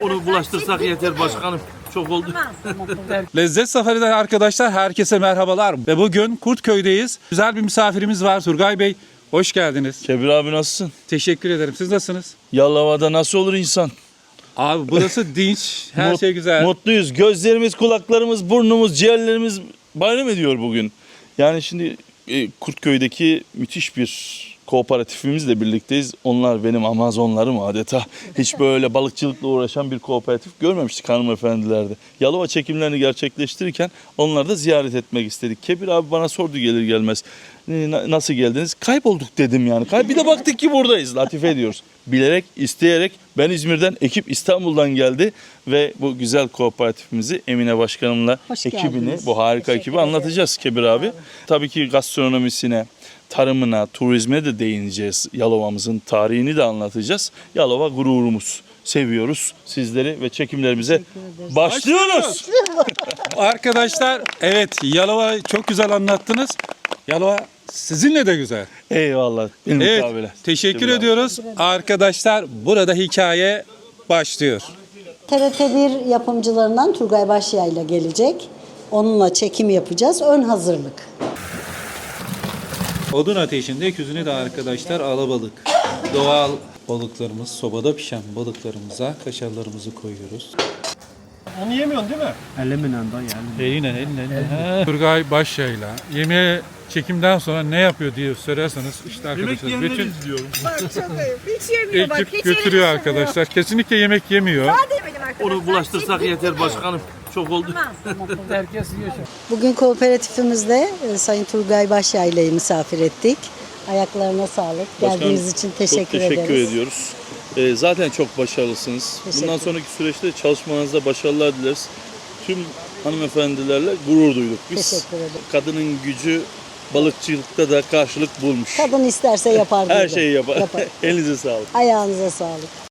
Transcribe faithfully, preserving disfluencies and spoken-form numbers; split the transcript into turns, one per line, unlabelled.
Onu bulaştırsak yeter başkanım. Çok oldu.
Lezzet Safari'den arkadaşlar herkese merhabalar. Ve bugün Kurtköy'deyiz. Güzel bir misafirimiz var Turgay Bey. Hoş geldiniz.
Kebir abi nasılsın?
Teşekkür ederim. Siz nasılsınız?
Yalova'da nasıl olur insan?
Abi burası dinç. Her
Mut-
şey güzel.
Mutluyuz. Gözlerimiz, kulaklarımız, burnumuz, ciğerlerimiz bayram ediyor bugün. Yani şimdi e, Kurtköy'deki müthiş bir kooperatifimizle birlikteyiz. Onlar benim Amazonlarım adeta. Hiç böyle balıkçılıkla uğraşan bir kooperatif görmemiştik hanımefendilerde. Yalova çekimlerini gerçekleştirirken onları da ziyaret etmek istedik. Kebir abi bana sordu gelir gelmez. "Na- Nasıl geldiniz? Kaybolduk dedim yani. Kay bir de baktık ki buradayız. Latife ediyoruz. Bilerek, isteyerek ben İzmir'den, ekip İstanbul'dan geldi ve bu güzel kooperatifimizi Emine Başkanımla
Hoş
ekibini,
geldiniz.
bu harika ekibi anlatacağız Kebir abi. Tabii ki gastronomisine, tarımına, turizme de değineceğiz. Yalova'mızın tarihini de anlatacağız. Yalova gururumuz. Seviyoruz sizleri ve çekimlerimize başlıyoruz.
Arkadaşlar evet Yalova çok güzel anlattınız. Yalova sizinle de güzel.
Eyvallah. Benim
Evet
mukabele.
teşekkür
Kebir abi.
ediyoruz. Arkadaşlar burada hikaye başlıyor.
T R T bir yapımcılarından Turgay Başyayla gelecek. Onunla çekim yapacağız. Ön hazırlık.
Odun ateşinde öküzüne de arkadaşlar alabalık. Doğal balıklarımız, sobada pişen balıklarımıza kaşarlarımızı koyuyoruz.
Onu yemiyorsun değil mi?
Elimle dayı elimle.
Eline eline. Turgay Başyayla yemeğe çekimden sonra ne yapıyor diye sorarsanız işte arkadaşlar bütün
izliyorum.
Bak çok ayıp. Hiç yemiyor bak.
ekip
Hiç
götürüyor
yemiyor.
arkadaşlar. Kesinlikle yemek yemiyor.
Daha demedim arkadaşlar.
Onu bulaştırsak yeter başkanım. Çok oldu.
Herkes yiyor şimdi.
Bugün kooperatifimizde e, Sayın Turgay Başyaylı'yı misafir ettik. Ayaklarına sağlık. Geldiğiniz için teşekkür,
çok teşekkür
ederiz.
ediyoruz. Ee, zaten çok başarılısınız.
Teşekkür
Bundan sonraki süreçte çalışmanızda başarılar dileriz. Tüm hanımefendilerle gurur duyduk biz.
Teşekkür ederim.
Kadının gücü balıkçılıkta da karşılık bulmuş.
Kadın isterse yapar.
Her
diyorlar.
şeyi yapar.
Yapar.
Elinize sağlık.
Ayağınıza sağlık.